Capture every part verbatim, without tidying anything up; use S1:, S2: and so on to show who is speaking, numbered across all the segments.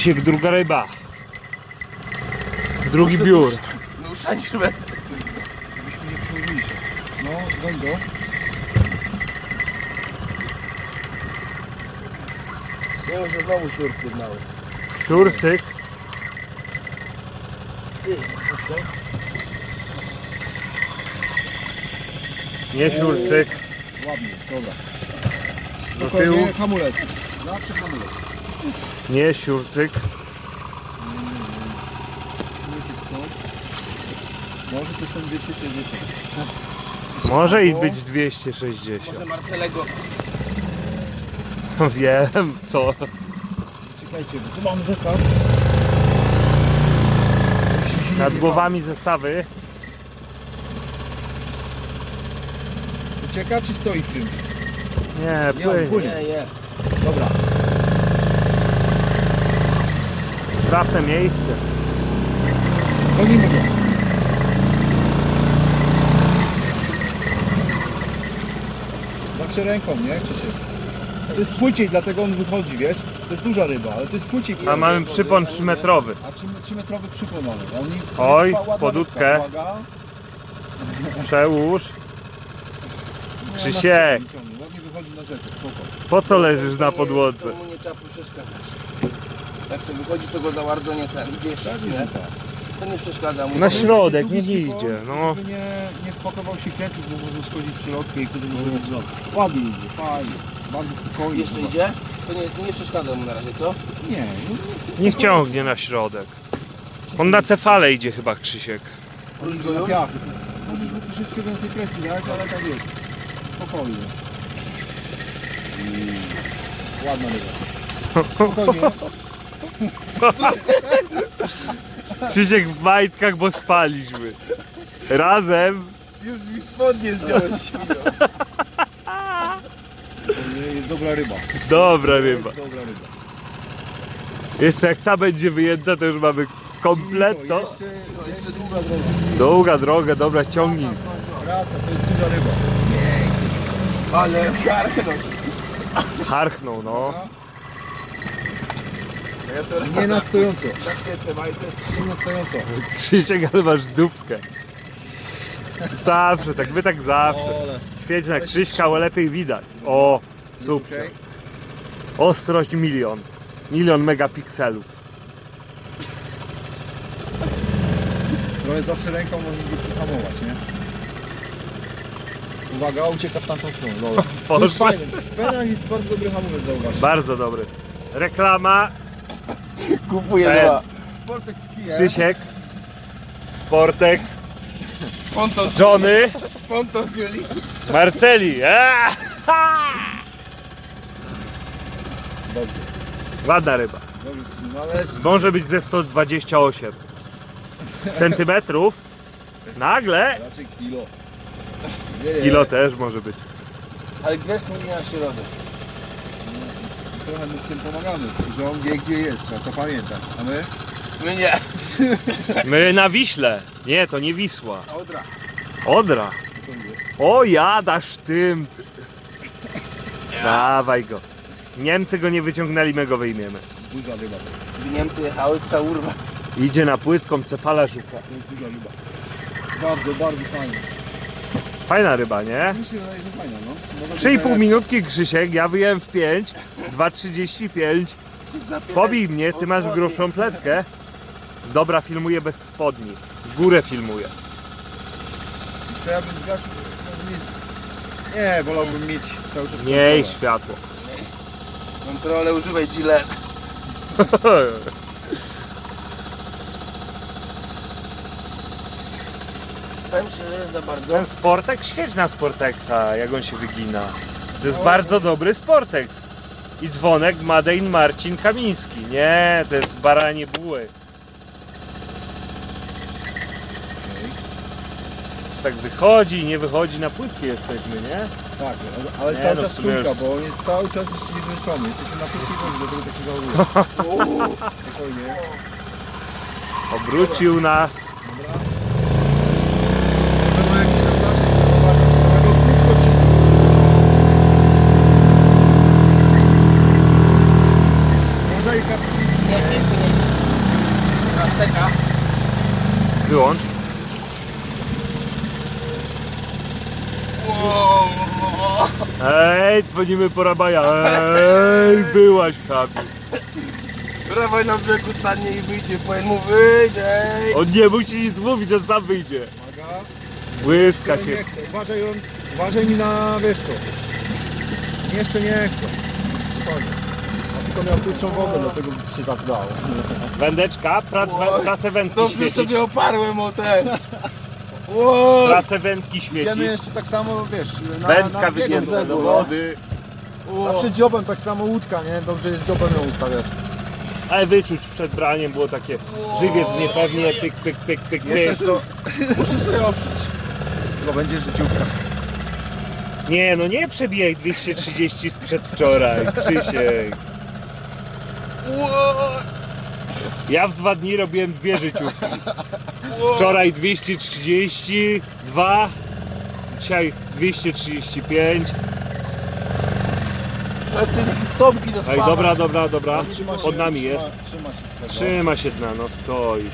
S1: Krzysiek, druga ryba. Drugi biur.
S2: No uszczędź rybę.
S3: Żebyśmy nie przyłowili się. No, goń go.
S2: Ja już znowu siur sygnały.
S1: Siurcyk.
S2: Ty, chodź to.
S1: Nie siurcyk.
S3: Ładnie, dobra.
S1: Do tyłu.
S3: Spokojnie, hamulec. Zawsze hamulec.
S1: Nie siurcyk.
S3: Może to są dwieście sześćdziesiąt.
S1: Może i być dwieście sześćdziesiąt.
S2: Może Marcelego.
S1: Wiem co.
S3: Czekajcie, bo tu mamy zestaw. Żebyśmy się nie
S1: Nad
S3: wjebały.
S1: głowami zestawy.
S3: Ucieka czy stoi w czymś?
S1: Nie,
S3: Nie, on
S1: płynie.
S3: płynie.
S2: Nie, jest.
S3: Dobra.
S1: Trafne miejsce.
S3: Gonimy go. Zawsze ręką, nie? Krzysiek? To jest płyciej, dlatego on wychodzi, wiesz? To jest duża ryba, ale to jest płyciej.
S1: A mamy przypon trzymetrowy.
S3: A trzymetrowy przypon mamy. A oni, to
S1: Oj,
S3: jest ładna
S1: pod
S3: rybka,
S1: łódkę.
S3: uwaga.
S1: Przełóż.
S3: No,
S1: Krzysiek.
S3: na styk ciągnie, ładnie wychodzi na rzekę, spoko.
S1: Po co leżysz na podłodze?
S2: To mu nie trzeba przeszkadzać. Jak sobie wychodzi, to go za bardzo nie ten. Idzie jeszcze, czy nie? To nie przeszkadza mu.
S1: Na
S3: To
S1: środek,
S3: jest
S1: niech
S3: długi
S1: idzie,
S3: przypon,
S1: no.
S3: Żeby nie, nie wpakował się kwiatów, bo może szkodzić przylotkę i wtedy może być zlot. Ładnie idzie, fajnie. Bardzo spokojnie.
S2: Jeszcze
S3: zobacz.
S2: idzie? To nie, to nie przeszkadza mu na razie, co?
S3: Nie, no,
S1: Niech ciągnie na środek. On na cefale idzie chyba, Krzysiek.
S2: Róż go
S3: na
S2: już?
S3: piachy. To jest- Możesz mu troszeczkę więcej presji dać, ale tak jest. Spokojnie. Mm. Ładna ryba. Spokojnie.
S1: Krzysiek w majtkach, bo spaliśmy. Razem.
S2: Już mi spodnie zdjąłeś, świnio.
S3: Nie, jest dobra ryba.
S1: Dobra ryba.
S3: Jest dobra ryba.
S1: Jeszcze jak ta będzie wyjęta, to już mamy kompletno.
S3: Jeszcze,
S2: Jeszcze długa droga.
S1: Długa droga, dobra, ciągnij.
S3: Wraca, to jest duża ryba.
S2: Ale karknął.
S1: Harchnął, no.
S3: Nie na stojąco.
S2: Tak się trzymajcie.
S3: Nie na stojąco.
S1: Krzysiek, ale masz dupkę. Zawsze, tak, my tak zawsze.
S3: Ole.
S1: Świeć na Krzyśka, ale lepiej widać. O, super.
S3: Okej.
S1: Ostrość milion. Milion megapikselów.
S3: Trochę zawsze ręką możesz go przyhamować, nie? Uwaga, ucieka w tamtą stronę. Dobra. To jest
S1: Poszło.
S3: fajne. W penach jest bardzo dobry hamulec, zauważ.
S1: Bardzo dobry. Reklama.
S2: Kupuję
S1: Ten.
S2: dwa.
S3: Sportek z kijem.
S1: Krzysiek. Sportex.
S2: Ponton,
S1: Johnny.
S2: ponton z Julii.
S1: Marceli. Eee! Ha!
S3: Dobrze.
S1: Ładna ryba.
S3: Dobrze, no ale...
S1: Może być ze sto dwadzieścia osiem centymetrów. Nagle.
S3: Raczej kilo. Nie,
S1: Kilo też może być.
S2: Ale grzeczny nie na środek.
S3: Trochę mu w tym pomagamy, że on wie gdzie jest, trzeba to pamiętać. A my?
S2: My nie.
S1: My na Wiśle. Nie, to nie Wisła.
S2: Odra.
S1: Odra. O, jadasz tym. Dawaj go. Niemcy go nie wyciągnęli, my go wyjmiemy.
S3: Duża ryba.
S2: Gdy Niemcy jechały, to trzeba urwać.
S1: Idzie na płytką, cefala szuka.
S3: To jest duża ryba. Bardzo, bardzo fajna.
S1: Fajna ryba, nie?
S3: Mi się wydaje, że fajna, no. Może
S1: trzy i pół
S3: być
S1: minutki, Krzysiek, ja wyjąłem w pięć, dwa trzydzieści pięć. Pobij mnie, ty masz grubszą pletkę. Dobra, filmuję bez spodni. W górę filmuję.
S3: Co ja bym zgasił? Może mieć... Nie, wolałbym mieć cały czas
S1: Miej
S3: kontrolę.
S1: światło.
S2: Kontrolę używaj Gillette. Powiem szczerze, że za bardzo.
S1: Ten Sportex, świeć na Sportexa, jak on się wygina. To jest bardzo dobry Sportex. I dzwonek Made in Marcin Kamiński. Nie, to jest baranie buły. Tak wychodzi, nie wychodzi, na płytki jesteśmy, nie?
S3: Tak, ale, ale
S1: Nie,
S3: cały
S1: no w
S3: czas
S1: sumie
S3: czulka,
S1: już-
S3: bo on jest cały czas jeszcze niezmęczony. Jesteśmy na płytkiej wodzie, dlatego tak się zachowuje. Spokojnie.
S1: Obrócił nas.
S3: Dobra. Może ma jakiś tam nasz, zobaczyć, go krótko czy... Może i kapitał.
S2: Nie, nie, nie. Teraz steka.
S1: Wyłącz.
S2: Wow.
S1: Ej, dzwonimy po Rabaja. Ej, byłaś Kamil.
S2: Dawaj na brzegu stanie i wyjdzie, powiem mu wyjść, ej.
S1: On nie musi nic mówić, on sam wyjdzie.
S3: Uwaga.
S1: Błyska
S3: Jeszcze
S1: się.
S3: nie chcę. Uważaj, on, uważaj mi na, wiesz co. Jeszcze nie chcę. Spokojnie. A tylko miał krótszą wodę, dlatego się tak dało.
S1: Wędeczka, prac,
S2: Oj,
S1: pracę wędki
S2: Dobrze
S1: świecić.
S2: sobie oparłem o ten. Wow.
S1: Pracę wędki
S3: Idziemy
S1: świecić.
S3: jeszcze tak samo, wiesz, na,
S1: Wędka
S3: na biegu
S1: wygięta
S3: brzegu,
S1: do
S3: no.
S1: wody.
S3: Zawsze dziobem tak samo łódka, nie? Dobrze jest dziobem ją ustawiać.
S1: Ale wyczuć przed braniem było takie żywiec niepewnie, pyk, pyk, pyk, pyk,
S3: Jeszcze
S1: pyk.
S3: co?
S2: Muszę sobie oprzeć.
S3: Chyba będzie życiówka.
S1: Nie no nie przebijaj dwieście trzydzieści sprzed wczoraj, Krzysiek.
S2: Wow.
S1: Ja w dwa dni robiłem dwie życiówki. Wczoraj dwieście trzydzieści dwa, dzisiaj dwieście trzydzieści pięć.
S2: Ale ty takie stopki do
S1: Ej,
S2: spawać.
S1: dobra, dobra, dobra.
S3: Trzyma się,
S1: Pod nami
S3: trzyma,
S1: jest.
S3: Trzyma się z tego.
S1: Trzyma się dna, no stoi.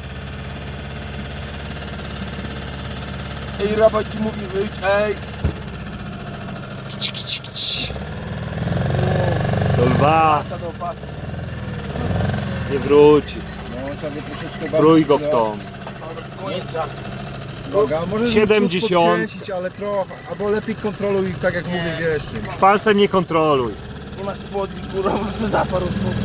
S2: Ej, Rabaj ci mówi wyjść, ej.
S1: Kici, kici, kici. Do lwa,
S2: Wraca do pasu.
S1: nie wróci.
S3: No, trzeba by troszeczkę bardziej
S1: Trój go w
S3: skierować.
S1: tą.
S2: Koniec żartu.
S3: Uwaga, może
S1: siedemdziesiąt.
S3: podkręcić, ale trochę, albo lepiej kontroluj, tak jak mówię, wiesz. Nie.
S1: Palcem nie kontroluj.
S2: Nie masz spodni, kurwa, bo sobie zaparł spodni.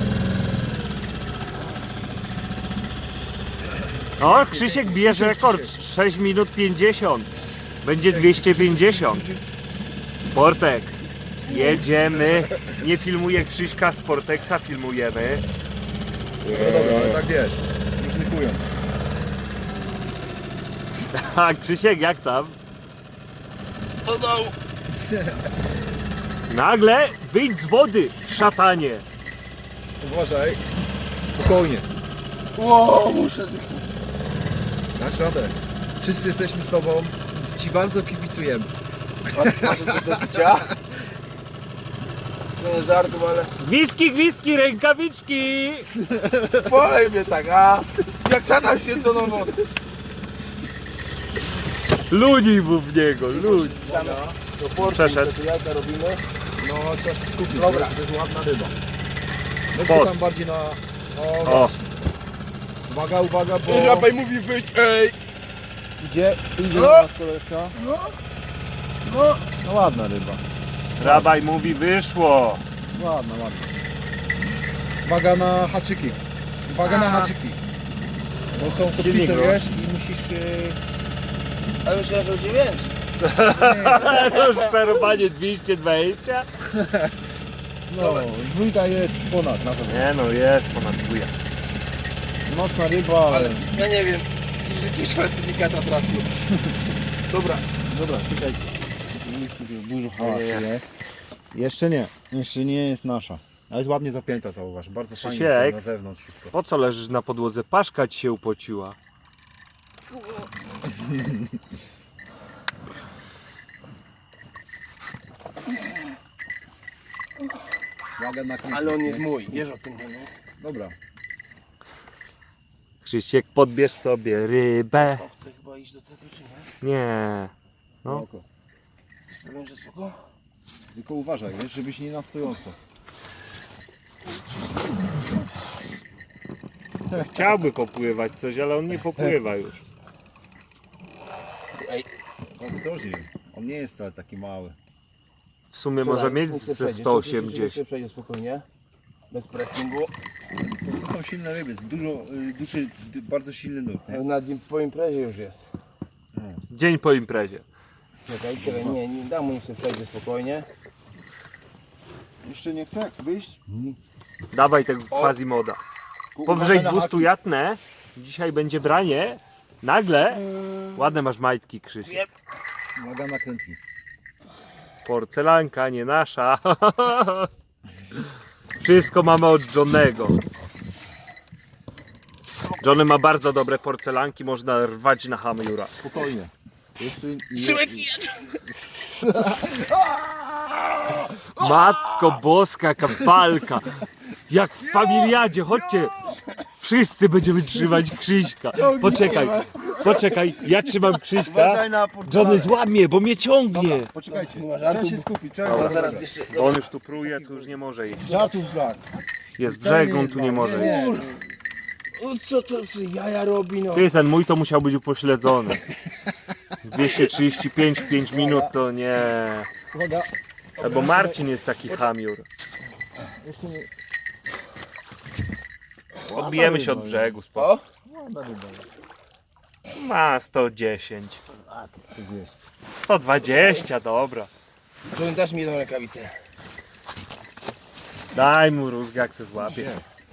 S1: O, Krzysiek bierze rekord. sześć minut pięćdziesiąt. Będzie dwieście pięćdziesiąt. Sportex. Jedziemy. Nie filmuję Krzyśka Sportexa, filmujemy.
S3: No dobra, ale tak wiesz, zróżnikują.
S1: A Krzysiek, jak tam?
S2: Do dołu.
S1: Nagle wyjdź z wody, szatanie.
S3: Uważaj, spokojnie,
S2: Wow, muszę zrychnąć.
S3: dasz radę. Wszyscy jesteśmy z tobą, ci bardzo kibicujemy.
S2: Masz masz coś do picia? Nie żartów, ale
S1: Gwizdki, gwizdki, rękawiczki.
S2: polej mnie tak, a? Jak sada święconą wodę.
S1: Ludzi mu w niego, ludzi.
S2: Do portu,
S1: Przeszedł.
S2: tu jajka robimy.
S3: No, trzeba się skupić,
S2: Dobra.
S3: to jest ładna ryba. Weź
S1: Pod.
S3: go tam bardziej na... O,
S1: O,
S3: właśnie. Uwaga, uwaga, bo
S2: Rabaj mówi wyjść, ej.
S3: idzie, idzie
S2: No.
S3: do nas koleżka.
S2: No. No.
S3: No ładna ryba,
S1: Rabaj mówi wyszło.
S3: ładna, ładna. Uwaga na haczyki, uwaga na
S2: A.
S3: haczyki. Bo są
S1: Silnik,
S3: kotwice,
S1: no.
S3: wiesz, i musisz... Yy...
S2: Ale myślałem, że będzie więcej.
S1: To już przerobanie dwieście dwadzieścia.
S3: No, dwójka jest ponad na pewno.
S1: Nie no, jest ponad dwójka.
S3: Mocna ryba, ale...
S2: Ale ja nie wiem, czy jakiś falsyfikata trafił. Dobra.
S3: Dobra, czekajcie. Dużo hałasu
S1: Nie, nie.
S3: jest. Jeszcze nie, jeszcze nie jest nasza. Ale jest ładnie zapięta, zauważ. Bardzo fajnie
S1: Krzysiek.
S3: tutaj na zewnątrz wszystko.
S1: Po co leżysz na podłodze? Paszka ci się upociła.
S3: Uwaga na koniec.
S2: Ale on jest mój, wiesz o tym, nie?
S3: Dobra.
S1: Krzysiek, podbierz sobie rybę.
S2: To chcę chyba iść do tego, czy nie?
S1: Nie. No.
S3: Spoko.
S2: Powiem, że spoko.
S3: Tylko uważaj, wiesz, żebyś nie na stojąco.
S1: Chciałby popływać coś, ale on nie popływa już.
S3: Ostrożnie. On nie jest wcale taki mały.
S1: W sumie może mieć
S2: Niech się
S1: ze
S2: przejdzie,
S1: sto
S2: niech się
S1: osiemdziesiąt.
S2: przejdzie spokojnie. Bez pressingu.
S3: To są silne ryby, jest dużo, y, duży, dy- bardzo silny nurt. Nie?
S2: Na nim po imprezie już jest.
S1: Dzień po imprezie.
S2: Czekaj, czekaj, nie, nie dam mu, niech się przejdzie spokojnie.
S3: Jeszcze nie chce wyjść?
S1: Dawaj tego quasimoda. Powyżej
S3: Uważaj na
S1: dwustu
S3: haki.
S1: jatnę. Dzisiaj będzie branie. Nagle. Ładne masz majtki, Krzysiek.
S3: Uwaga na krętnik.
S1: Porcelanka, nie nasza. Wszystko mamy od Johnego. Johnny ma bardzo dobre porcelanki, można rwać na hamiura.
S3: Spokojnie. Jeszcze nie,
S2: Szymek
S1: Matko boska, kapalka. Jak w familiadzie, chodźcie. Wszyscy będziemy trzymać Krzyśka. Poczekaj, poczekaj, ja trzymam Krzyśka.
S3: Uważaj na
S1: Johnny złamie, bo mnie ciągnie.
S3: Poczekajcie,
S2: Nie ma
S3: trzeba
S2: żartu.
S3: się skupić,
S2: Dobra,
S3: trzeba
S2: zaraz jeszcze...
S1: Bo on już tu pruje, tu już nie może iść.
S3: Żartów brak.
S1: Jest brzeg, on tu nie może iść.
S3: Nie,
S2: No co to co jaja robi no?
S1: Ty, ten mój to musiał być upośledzony. dwieście trzydzieści pięć w pięć minut to nie.
S3: uwaga.
S1: Bo Marcin jest taki chamiur.
S3: Jeszcze nie.
S1: Odbijemy się od brzegu. Spoko.
S2: O!
S3: Ładna ryba.
S1: Ma sto dziesięć.
S3: A, to jest wiesz.
S1: sto dwadzieścia, dobra.
S2: Johnny, dasz mi jedną rękawicę.
S1: Daj mu rózgę, jak se złapie.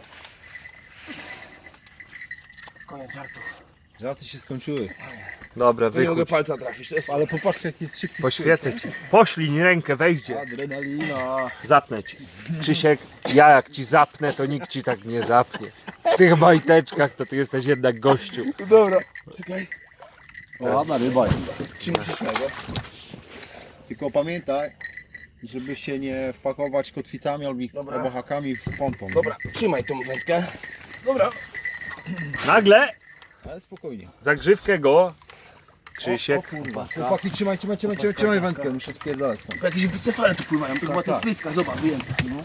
S2: Koniec żartów.
S3: Żarty się skończyły.
S1: Dobra,
S2: Nie mogę
S1: wychódź.
S2: palca trafić, to jest...
S3: Ale popatrz jak jest szybki.
S1: Poświecę ci. Poślij rękę, wejdzie.
S3: Adrenalina.
S1: Zapnę ci. Krzysiek, ja jak ci zapnę, to nikt ci tak nie zapnie. W tych majteczkach to ty jesteś jednak gościu.
S2: Dobra. Czekaj.
S3: O, ładna ryba jest.
S2: Czym przyszłego?
S3: Tylko pamiętaj, żeby się nie wpakować kotwicami albo,
S2: Dobra.
S3: albo hakami w ponton.
S2: Dobra, trzymaj tą wędkę. Dobra.
S1: Nagle
S3: Ale spokojnie.
S1: zagrzywkę go. Krzysiek.
S3: kurwa. Chłopaki, trzymaj, trzymaj, trzymaj, trzymaj, trzymaj wędkę, muszę spierdalać stąd.
S2: Bo jakieś wycefale tu pływają, to była ta
S3: tak.
S2: spryska, zobacz, wyjęta. No.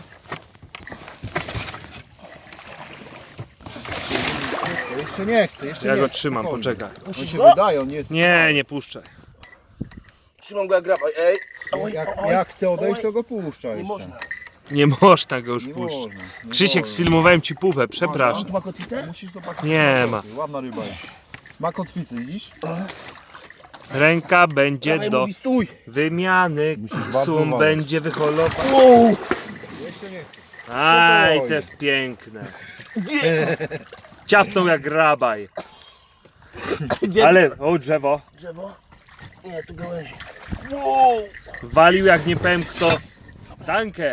S3: Jeszcze nie chcę, jeszcze
S1: Ja
S3: nie
S1: go
S3: chcę,
S1: trzymam,
S3: spokojnie.
S1: poczekaj.
S3: On się wydaje, on nie jest...
S1: Nie, nie puszczaj.
S2: Trzymam go jak graba. Ej! Oj,
S3: Jak,
S2: oj,
S3: jak chce odejść,
S2: oj.
S3: to go puszcza
S2: Nie
S3: jeszcze.
S2: można.
S1: Nie można go już
S3: Nie
S1: puszczać.
S3: można, nie
S1: Krzysiek,
S3: można.
S1: sfilmowałem ci pupę,
S2: On
S1: przepraszam.
S2: tu ma kotwicę?
S3: Musisz zobaczyć.
S1: Nie ma.
S3: Ładna ryba jest. Ma kotwicę, widzisz?
S1: Ręka będzie
S2: Dawaj,
S1: do
S2: mówi, stój!
S1: wymiany.
S3: Musisz bardzo
S1: Sum
S3: uważać.
S1: będzie wyholował.
S2: Wow!
S3: Jeszcze nie chcę.
S1: Aj, to jest piękne. Ciapnął jak rabaj.
S2: Gdzie
S1: Ale, o drzewo.
S2: drzewo? Nie, tu gałęzie. Wow!
S1: Walił jak nie powiem kto. Dankę.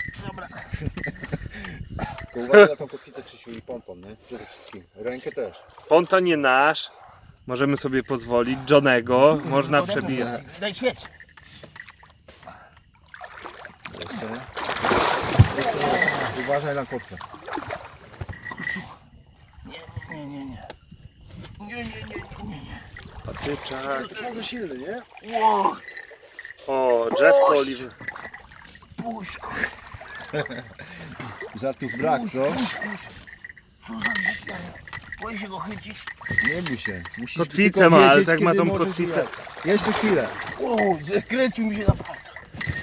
S3: Tylko uważaj na tą kotwicę, Krzysiu, i ponton, nie? Przede wszystkim. Rękę też.
S1: Ponton nie nasz. Możemy sobie pozwolić. Johnego można przebijać.
S2: Daj świec!
S3: Jeszcze nie. Uważaj na kotwę.
S2: Nie, nie, nie. Nie, nie, nie, nie, nie.
S1: Patyczak.
S3: jest bardzo silny, nie?
S2: Wow!
S1: O, drzewko oliwy.
S2: Puszko,
S3: Żartów brak, co?
S2: pusz, pusz. Co za głupia. Boję się go chycić.
S3: Nie bój się. Musisz
S1: Kotwicę
S3: tylko
S1: ma, ale
S3: wiedzieć,
S1: tak ma
S3: kiedy
S1: tą
S3: możesz
S1: kotwicę.
S3: grać. Jeszcze chwilę.
S2: Wow, zakręcił mi się na palcach.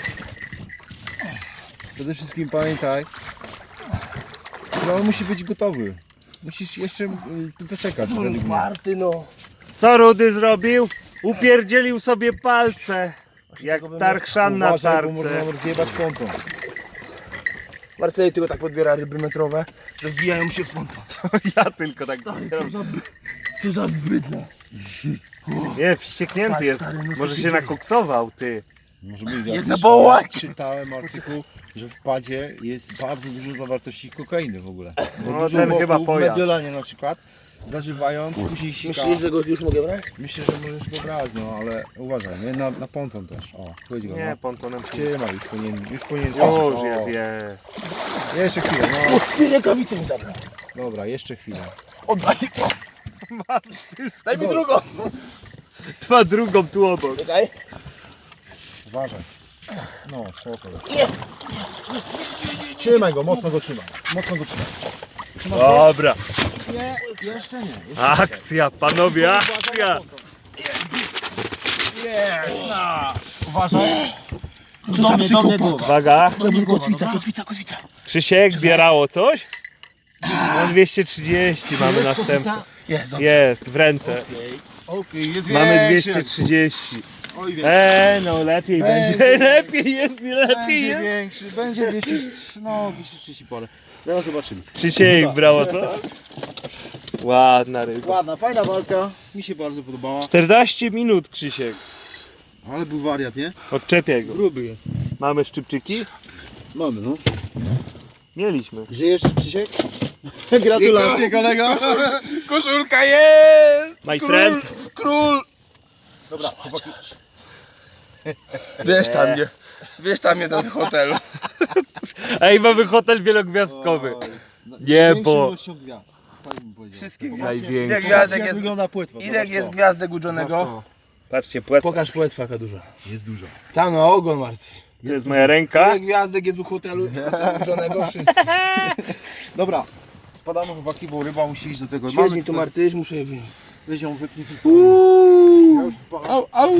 S3: Przede wszystkim pamiętaj, że on musi być gotowy. Musisz jeszcze y, zaczekać. według mnie.
S2: Party no.
S1: Co Rudy zrobił? Upierdzielił sobie palce. Jak Tarchszan na
S3: Uważaj, bo można
S1: tarce.
S3: nam rozjebać ponton.
S2: Marceli tylko tak podbiera ryby metrowe, że wbijają się w ponton.
S1: Ja tylko tak
S2: Co za, co za bydla.
S1: Nie, wścieknięty jest.
S2: Stary, no co
S1: Może
S2: się
S1: się
S2: dzieje?
S1: nakoksował, ty.
S3: Może być,
S2: Jest
S3: ja
S2: na
S3: słyszałem-
S2: bołać.
S3: Czytałem artykuł, że w padzie jest bardzo dużo zawartości kokainy w ogóle. Bo
S1: No,
S3: dużo
S1: ten
S3: wokół,
S1: chyba
S3: w
S1: pojazd.
S3: Mediolanie na przykład, zażywając, później sika.
S2: Myślisz, że go już mogę brać?
S3: Myślę, że możesz go brać, no ale uważaj, nie? Na, na ponton też. O, chodź go,
S1: Nie,
S3: no.
S1: pontonem.
S3: Trzymaj, już powinien, już powinien
S1: Już
S3: o,
S1: jest, je.
S3: Jeszcze chwilę, no.
S2: O, ty rękawicę mi zabrał.
S3: Dobra, jeszcze chwilę.
S2: Oddaj. Daj mi drugą.
S1: Trwa drugą tu obok.
S2: Czekaj.
S3: Uważaj. No, spoko.
S2: Nie.
S3: Trzymaj go, mocno go trzymaj. Mocno go trzymaj.
S1: Dobra.
S3: Nie, jeszcze nie.
S1: Akcja, panowie, akcja.
S3: Uważaj.
S2: Co za psychopata.
S1: Uwaga.
S2: Kotwica, kotwica, kotwica.
S1: Krzysiek, bierało coś? No dwieście trzydzieści mamy następny.
S2: Jest, dobrze.
S1: Jest, w ręce.
S3: Okej, jest
S1: Mamy
S3: większy.
S1: dwieście trzydzieści.
S3: Oj, większy.
S1: Eee, no lepiej
S3: Będzie.
S1: będzie. Lepiej jest, nie lepiej
S3: Będzie
S1: jest.
S3: większy, będzie dwieście, no dwieście trzydzieści parę. Zaraz zobaczymy.
S1: Krzysiek brało co? Ładna ryba.
S3: Ładna, fajna walka. Mi się bardzo podobała.
S1: czternaście minut, Krzysiek.
S3: Ale był wariat, nie?
S1: Odczepię go.
S3: Gruby jest.
S1: Mamy szczypczyki?
S3: Mamy, no.
S1: Mieliśmy.
S3: Żyjesz, Krzysiek? Gratulacje, kolego.
S2: Koszulka jest!
S1: My friend.
S2: Król!
S3: Dobra, chłopaki.
S2: Wiesz tam, nie? Wiesz tam mnie do hotelu.
S1: Ej, mamy hotel wielogwiazdkowy.
S3: Oj, no,
S1: Nie,
S3: większą
S1: bo-
S3: ilością gwiazd. Tak bym powiedział.
S2: Wszystkie gwiazdy.
S1: Największy.
S2: Ile gwiazdek
S3: Jak
S2: jest,
S3: wygląda płetwa?
S2: ile
S3: Zobacz
S2: jest
S3: to.
S2: gwiazdek u
S3: Zobacz
S2: Johnego?
S3: to.
S1: Patrzcie, płetwa.
S2: Pokaż płetwa jaka duża.
S3: Jest dużo.
S2: Tam na ogon Marcin.
S1: To jest moja ręka.
S2: Ile gwiazdek jest u hotelu, w hotelu u Johnego? Wszystko.
S3: Dobra, spadamy chłopaki, bo ryba musi iść do tego.
S2: Świeć mi tu
S3: tutaj-
S2: Marcyś, muszę je wyjąć.
S3: Weź ją, wypnij tylko. Ja już pa-
S2: Au, au.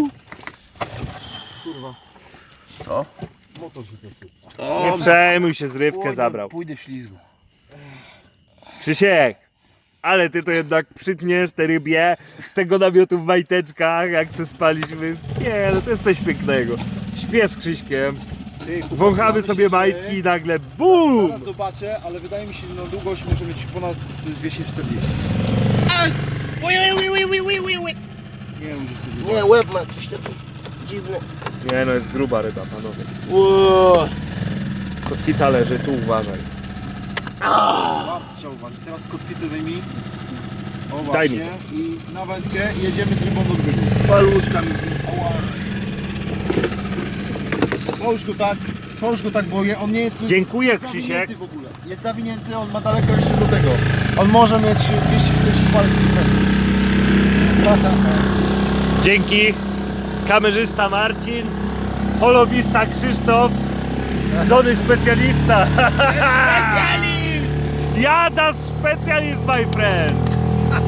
S3: kurwa,
S2: Co?
S3: motor się zepsuł.
S1: Nie przejmuj się, zrywkę
S2: Pójdę-
S1: zabrał.
S2: Pójdę w ślizgu.
S1: Krzysiek, ale ty to jednak przytniesz te rybie z tego namiotu w majteczkach, jak se spaliśmy. Nie, no to jest coś pięknego. Śpię z Krzyśkiem,
S3: Ty, chłopaki,
S1: wąchamy
S3: mamy
S1: sobie
S3: się
S1: majtki
S3: dzieje.
S1: i nagle BUM!
S3: Zaraz zobaczę, ale wydaje mi się, że na długość może mieć ponad dwieście czterdzieści. Nie wiem, że sobie...
S2: Nie, łeb ma jakiś taki dziwny.
S1: Nie no, jest gruba ryba, panowie.
S2: Ło.
S1: Kotwica leży, tu uważaj.
S3: Bardzo trzeba uważać. Teraz kotwicę wyjmij. O
S1: Daj
S3: właśnie.
S1: mi
S3: I na wędkę i jedziemy z rybą do brzegu.
S2: Paluszka mi znikła.
S3: Połóż go tak, połóż go tak, bo je- on nie jest tu
S1: Dziękuję,
S3: zawinięty
S1: Krzysiek.
S3: w ogóle. Jest zawinięty, on ma daleko jeszcze do tego. On może mieć dwieście czterdzieści palców.
S1: Dzięki. Kamerzysta Marcin, holowista Krzysztof, Johnny specjalista.
S2: Specjalist!
S1: Jada specjalist, my friend.